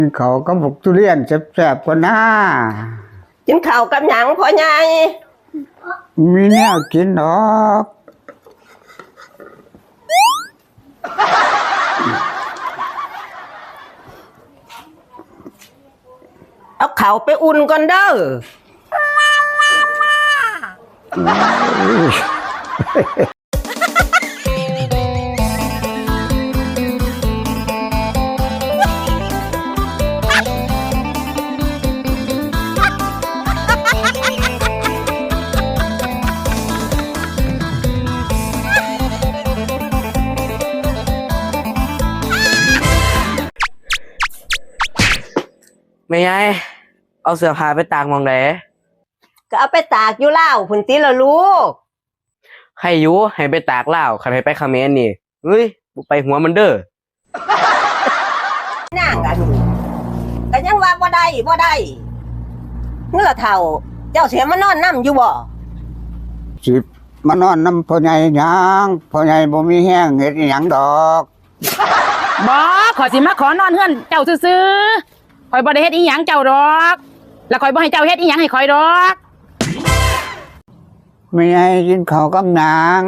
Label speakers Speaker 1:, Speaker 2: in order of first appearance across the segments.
Speaker 1: เขาก็บอกทุเรียนแซ่บๆกว่าหน้า
Speaker 2: กินข้าวกับหยังพ่อใหญ่
Speaker 1: มีแนวกินหรอก
Speaker 2: เอาข้าวไปอุ่นก่อนเด้อ
Speaker 3: ไม่ไงเอาเสื้อผ้าไปตากหม้องไหน
Speaker 2: ก็เอาไปตากอยู่แล้วพุ่นติละลูก
Speaker 3: ใครอยู่ให้ไปตากลาวใครให้ไปเขมรนี่เฮ้ยไปหัวมันเด้อ
Speaker 2: นั่งกันก็ยังว่าบ่ได้เมื่อเฒ่าเจ้าเสียมานอนนำอยู่บ่
Speaker 1: สิมานอนน้ำพ่อใหญ่หยังพ่อใหญ่บ่มีแห้งเฮ็ดหยังดอก
Speaker 4: บ่ขอสิมาขอนอนเฮือนเจ้าซื่อๆข่อยบ่ได้เฮ็ดอีหยังเจ้าดอกแล้วข่อยบ่ให้เจ้าเฮ็ดอีหยังให้ข่อยดอก
Speaker 1: ไม่ให้กินข้าวกับนาง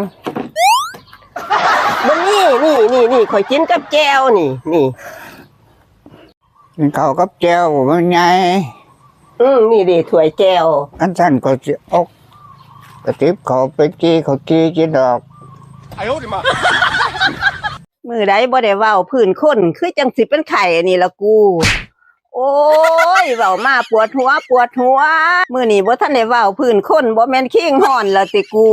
Speaker 2: บ่นี่ข่อยกินกับแก้วนี่
Speaker 1: กินข้าวกับแจ่วมันไง
Speaker 2: นี่ดิถ้วยแก้ว
Speaker 1: อันท่านก็สิออกกระติบเขาไปกี้เขากี้กินดอก
Speaker 2: มื้อใดบ่ได้เว้าพื้นคนคือจังสิเป็นไข้นี่ล่ะกูโอ้ยเว้ามาปวดหัวมื้อนี้บ่ทันได้เว้าพื้นคนบ่แม่นขิงฮ้อนละติกู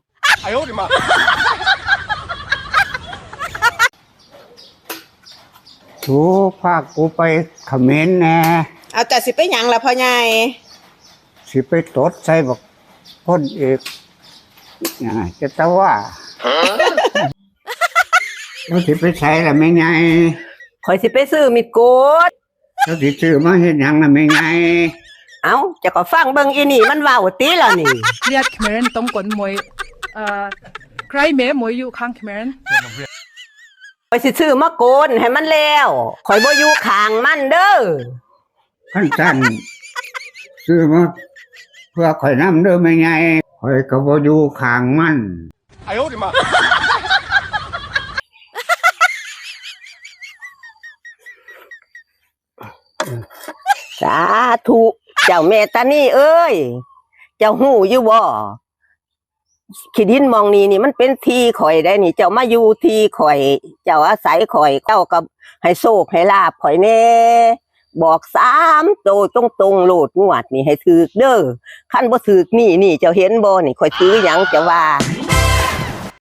Speaker 1: ถูพากูไปเขมรแน่
Speaker 5: เอาแต่สิไปหยังล่ะพ่อใหญ่
Speaker 1: สิไปตดใส่บอกพ่นเอกจะตะว่าแล้วสิไปใช้ล่ะไม่ไง
Speaker 2: ข่อยสิไปซื้อมิดโกด
Speaker 1: แล้วสิซื้อมาเฮ็ดหยังล่ะไม่ไง
Speaker 2: เอ้าจะก็ฟังเบิ่งอีนี่มันเว้าติล่ะนี่
Speaker 6: เรียกเขมรต้องกดมวยใครแม่มวยอยู่ข้างเขมร
Speaker 2: ข่อยสิซื้อมาโกนให้มันแล้วข่อยบ่อยู่ข้างมันเด้อ
Speaker 1: ขั้นสั้นซื้อมาเพื่อข่อยน้ำเด้อไม่ไงข่อยก็บ่อยู่ข้างมัน
Speaker 2: สาธุเจ้าแม่ตานี่เอ้ยเจ้าหู้อยู่บ่ขี้ดินมองนี่มันเป็นที่ข่อยได้นี่เจ้ามาอยู่ที่ข่อยเจ้าอาศัยข่อยเจ้าก็ให้โชคให้ลาภข่อยแน่บอก3โตตรงๆโลดงวดนี่ให้ถูกเด้อคันบ่ถูกนี่เจ้าเห็นบ่นี่ข่อยถือหยังจะว่า